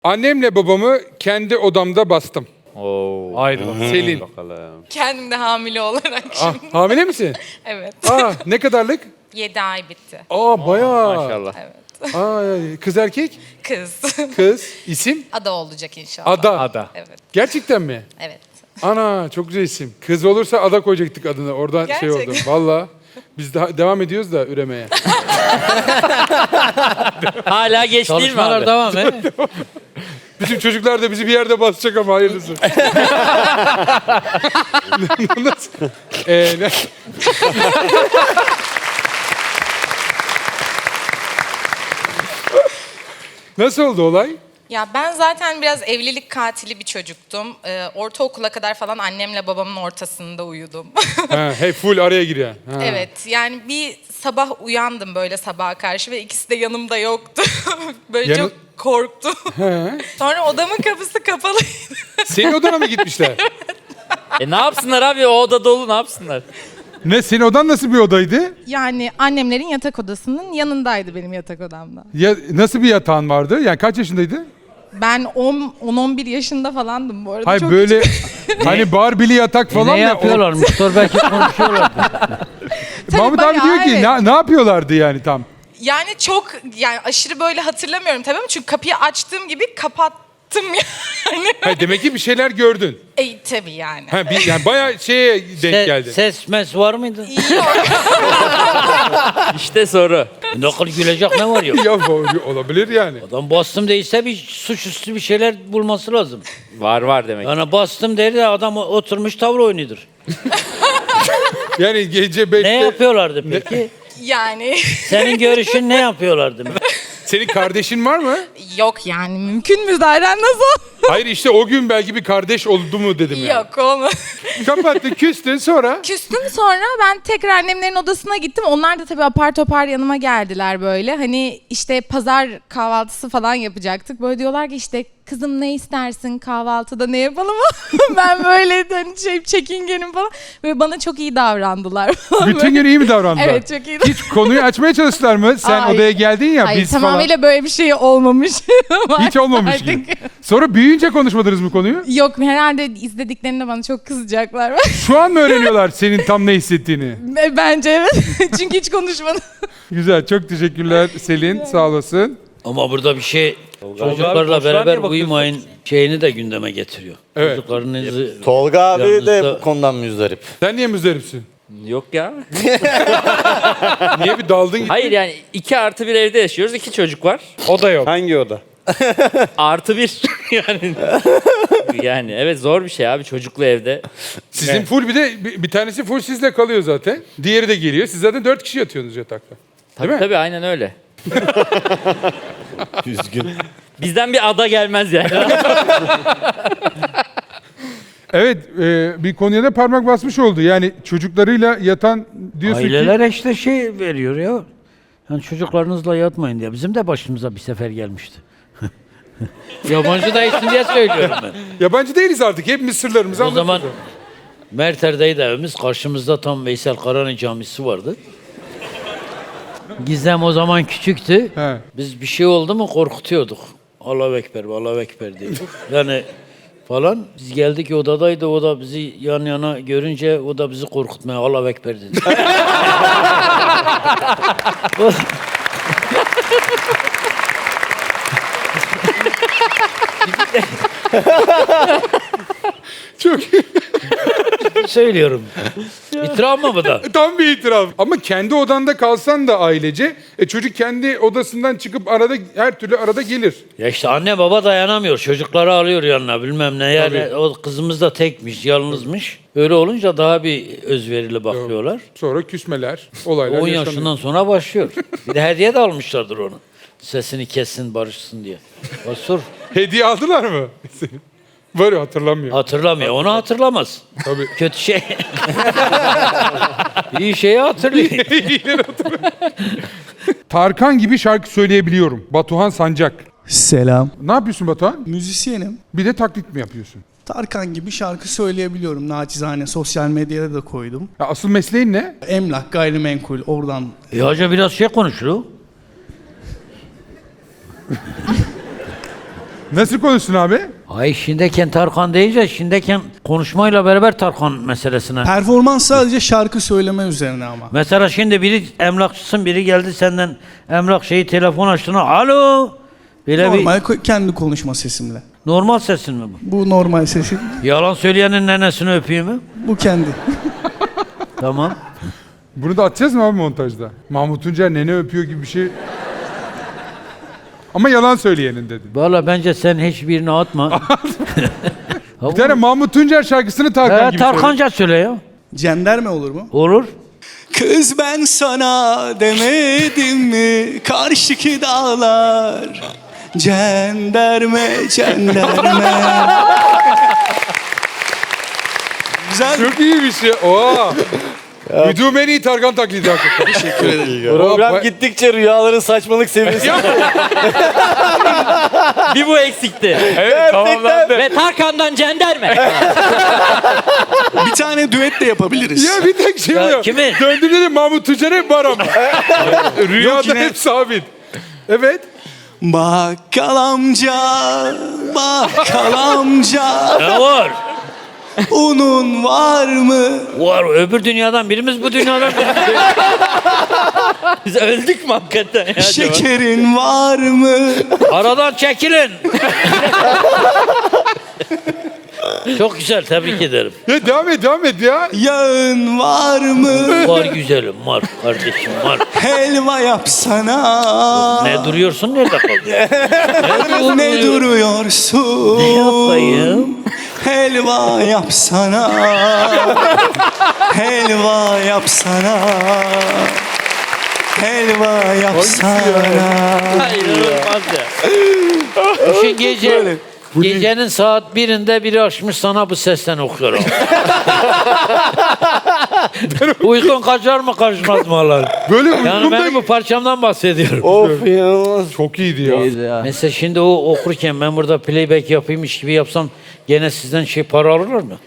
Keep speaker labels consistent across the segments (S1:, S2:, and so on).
S1: Annemle babamı kendi odamda bastım.
S2: Oo.
S1: Haydi Selin.
S2: Bakalım.
S3: Kendim de hamile olarak
S1: Ah,
S3: şimdi.
S1: hamile misin?
S3: Evet.
S1: Ne kadarlık?
S3: 7 ay bitti.
S1: Bayağı.
S2: Maşallah.
S3: Evet.
S1: Kız erkek?
S3: Kız.
S1: Kız. İsim?
S3: Ada olacak inşallah.
S1: Ada.
S3: Evet.
S1: Gerçekten mi?
S3: Evet.
S1: Ana çok güzel isim. Kız olursa Ada koyacaktık adını. Oradan şey oldu.
S3: Gerçekten.
S1: Valla. Biz devam ediyoruz da üremeye.
S2: Hala geç değil mi
S4: Çalışmalar
S2: abi?
S4: devam he.
S1: Bizim çocuklar da bizi bir yerde basacak ama hayırlısı. Nasıl? Nasıl oldu olay?
S3: Ya ben zaten biraz evlilik katili bir çocuktum. Ortaokula kadar falan annemle babamın ortasında uyudum.
S1: Hey full araya giriyor. Ha.
S3: Evet, yani bir sabah uyandım böyle sabaha karşı ve ikisi de yanımda yoktu. Böyle
S1: Yanı-
S3: çok korktum. Sonra odamın kapısı kapalıydı.
S1: Senin odana mı gitmişler?
S2: Ne yapsınlar abi? O oda dolu, ne yapsınlar?
S1: Ne, senin odan nasıl bir odaydı?
S3: Yani annemlerin yatak odasının yanındaydı benim yatak odamda.
S1: Ya, nasıl bir yatağın vardı? Yani kaç yaşındaydın?
S3: Ben 10-11 yaşında falandım bu arada.
S1: Hayır
S3: Çok
S1: böyle hani barbili yatak falan
S4: Ne
S1: mı?
S4: yapıyorlarmış? Dur belki konuşuyorlar.
S3: Tabii
S1: Mahmut abi
S3: bayağı,
S1: diyor ki
S3: evet.
S1: ne yapıyorlardı yani tam?
S3: Yani çok yani aşırı böyle hatırlamıyorum tabii ama çünkü kapıyı açtığım gibi kapattım yani.
S1: Ha, demek ki bir şeyler gördün.
S3: Tabii yani.
S1: Ha, yani bayağı şeye denk geldi.
S4: Ses mes var mıydı?
S3: Yok.
S2: İşte soru.
S4: Nakıl gülecek ne var ya?
S1: Ya olabilir yani.
S4: Adam bastım değilse bir suçüstü bir şeyler bulması lazım.
S2: Var demek.
S4: Yani bastım der de adam oturmuş tavır oynuyordur.
S1: Yani gece 5'te...
S4: Ne yapıyorlardı peki?
S3: Yani
S4: Senin görüşün ne yapıyorlardı?
S1: Senin kardeşin var mı?
S3: yok yani mümkün mü zaten nasıl?
S1: Hayır işte o gün belki bir kardeş oldu mu dedim yani.
S3: Yok olmadı.
S1: Kapattın, küstün sonra.
S3: Küstüm sonra ben tekrar annemlerin odasına gittim. Onlar da tabii apar topar yanıma geldiler böyle. Hani işte pazar kahvaltısı falan yapacaktık. Böyle diyorlar ki işte kızım ne istersin kahvaltıda ne yapalım? Ben böyle hani çekingenim falan. Ve bana çok iyi davrandılar.
S1: Bütün gün iyi mi davrandılar?
S3: Evet çok iyi.
S1: Hiç konuyu açmaya çalıştılar mı? Sen
S3: Hayır.
S1: odaya geldin ya
S3: Hayır
S1: biz
S3: tamamıyla böyle bir şey olmamış.
S1: falan. Hiç olmamış
S3: Artık.
S1: gibi. Sonra büyüyünce konuşmadınız mı konuyu?
S3: Yok herhalde izlediklerinde bana çok kızacaklar.
S1: Şu an mı öğreniyorlar senin tam ne hissettiğini?
S3: Bence evet. Çünkü hiç konuşmadım.
S1: Güzel, çok teşekkürler Selin, sağ olasın.
S4: Ama burada bir şey
S2: abi,
S4: çocuklarla
S2: boşver
S4: beraber
S2: diye bakıyorsun.
S4: uyumayın şeyini de gündeme getiriyor.
S1: Evet.
S4: Çocuklarınızı
S5: Tolga abi de
S4: Yalnız da-
S5: bu konudan müzdarip.
S1: Sen niye müzdaripsin?
S2: Yok ya.
S1: Niye bir daldın gittin?
S2: Hayır yani 2+1 evde yaşıyoruz. 2 çocuk var.
S1: O da yok.
S5: Hangi oda?
S2: +1 yani. Yani evet zor bir şey abi çocuklu evde.
S1: Sizin full bir de bir tanesi full sizle kalıyor zaten. Diğeri de geliyor. Siz zaten 4 kişi yatıyorsunuz yatakta. Değil mi?
S2: Tabii aynen öyle.
S5: Üzgün.
S2: Bizden bir ada gelmez yani.
S1: Evet, bir konuya da parmak basmış oldu. Yani çocuklarıyla yatan diyorsun
S4: Aileler
S1: ki...
S4: işte şey veriyor ya. Yani çocuklarınızla yatmayın diye. Bizim de başımıza bir sefer gelmişti. Yabancı değilsin diye söylüyorum ben.
S1: Yabancı değiliz artık. Hepimiz sırlarımızı
S4: O zaman
S1: anlatıyoruz.
S4: Merter'deydi evimiz. Karşımızda tam Veysel Karani Camisi vardı. Gizem o zaman küçüktü.
S1: He.
S4: Biz bir şey oldu mu korkutuyorduk. Allahu Ekber, Allahu Ekber diye. Yani falan. Biz geldik odadaydı. O da bizi yan yana görünce o da bizi korkutmaya Allahu Ekber dedi.
S1: Çok
S4: Söylüyorum. İtiraf mı bu da?
S1: tam bir itiraf. Ama kendi odanda kalsan da ailece, çocuk kendi odasından çıkıp arada her türlü arada gelir.
S4: Ya işte anne baba dayanamıyor. Çocukları alıyor yanına bilmem ne. Yani
S1: Tabii.
S4: o kızımız da tekmiş, yalnızmış. Öyle olunca daha bir özverili bakıyorlar.
S1: Sonra küsmeler, olaylar
S4: 10
S1: yaşanıyor.
S4: yaşından sonra başlıyor. Bir de hediye de almışlardır onu. Sesini kessin, barışsın diye. Bak sor.
S1: Hediye aldılar mı? Var ya, hatırlamıyorum.
S4: Hatırlamıyor. Onu hatırlamaz.
S1: Tabii.
S4: Kötü şey. İyi şeyi hatırlıyor.
S1: Tarkan gibi şarkı söyleyebiliyorum. Batuhan Sancak.
S6: Selam.
S1: Ne yapıyorsun Batuhan?
S6: Müzisyenim.
S1: Bir de taklit mi yapıyorsun?
S6: Tarkan gibi şarkı söyleyebiliyorum. Naçizane sosyal medyada da koydum.
S1: Ya asıl mesleğin ne?
S6: Emlak, gayrimenkul oradan.
S4: Hoca biraz şey konuşuyor.
S1: Nasıl konuştun abi?
S4: Ay şimdiyken Tarkan deyince şimdiyken konuşmayla beraber Tarkan meselesine.
S6: Performans sadece şarkı söyleme üzerine ama.
S4: Mesela şimdi biri emlakçısın, biri geldi senden emlak şeyi telefon açtığına alo. Böyle
S6: Normal
S4: bir
S6: kendi konuşma sesimle.
S4: normal sesin mi bu?
S6: Bu normal sesim.
S4: Yalan söyleyenin nenesini öpeyim mi?
S6: Bu kendi.
S4: Tamam.
S1: Bunu da atacağız mı abi montajda? Mahmut Tuncer nene öpüyor gibi bir şey. Ama yalan söyleyenin dedin.
S4: Valla bence sen hiçbirini atma.
S1: Bir tane Mahmut Tuncer şarkısını Tarkan gibi söyle.
S4: Tarkanca söyle ya.
S6: Cenderme olur mu?
S4: Olur.
S6: Kız ben sana demedim mi karşıki dağlar cenderme cenderme. Güzel.
S1: Çok iyi bir şey. Oha. Duyduğum en iyi Tarkan taklidi hakikaten.
S6: Teşekkür ederim.
S5: Program
S1: Oha,
S5: gittikçe rüyaların saçmalık seviyesi.
S2: Bir bu eksikti.
S1: Evet tamamlandı.
S2: Ve Tarkan'dan cenderme.
S6: Bir tane düet de yapabiliriz.
S1: Ya bir tek şey oluyor.
S4: kimi?
S1: Döndüğümde de Mahmut Tuncer hep var ama. Rüyada
S6: yine-
S1: hep sabit. Evet.
S6: Bakkal amca, bakkal amca,
S4: Ne var?
S6: unun var mı?
S4: Var. Öbür dünyadan birimiz bu dünyadan
S2: Biz öldük mü hakikaten ya acaba?
S6: Şekerin var mı?
S4: Aradan çekilin. Çok güzel, tebrik ederim.
S1: Ya devam et ya.
S6: Yağın var mı?
S4: Var güzelim, var kardeşim, var.
S6: Helva yapsana.
S4: Ne duruyorsun, nerede kaldın?
S6: Ne duruyorsun?
S4: Ne yapayım?
S6: Helva yapsana. Helva yapsana. Helva yapsana.
S2: Hayır olmaz ya.
S4: Düşün gece, gecenin saat 1'inde biri açmış sana bu sesten okuyor. Uykun kaçar mı kaçmaz mı Allah?
S1: Böyle
S4: Yani
S1: uykumda...
S4: benim bu parçamdan bahsediyorum.
S5: Of inanılmaz.
S1: Çok iyiydi ya.
S4: Mesela şimdi o okurken ben burada playback yapaymış gibi yapsam gene sizden şey para alırlar mı?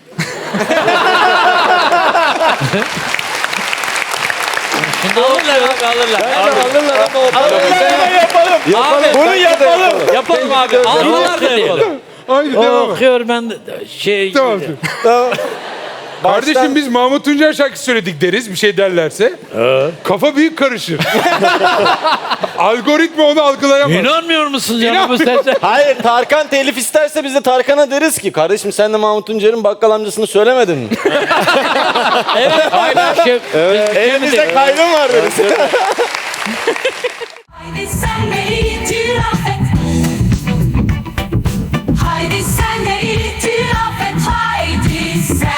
S2: Alırlar abi alırlar.
S5: Alırlar ama o
S2: Abi,
S5: Bunu yapalım.
S2: yapalım abi. Alırlar da yapalım.
S1: Haydi
S4: O
S1: devam et.
S4: okuyor ben de şey...
S1: Tamam. Kardeşim biz Mahmut Tuncer şarkısı söyledik deriz bir şey derlerse. Kafa büyük karışır. Algoritma onu algılayamaz.
S4: İnanmıyor musunuz ya bu sese?
S5: Hayır Tarkan telif isterse biz de Tarkan'a deriz ki kardeşim sen de Mahmut Tuncer'in bakkal amcasını söylemedin mi?
S4: Şey,
S5: Elimizde kaydın var deriz.
S7: Haydi sen de itiraf et. Haydi sen de itiraf et. Haydi sen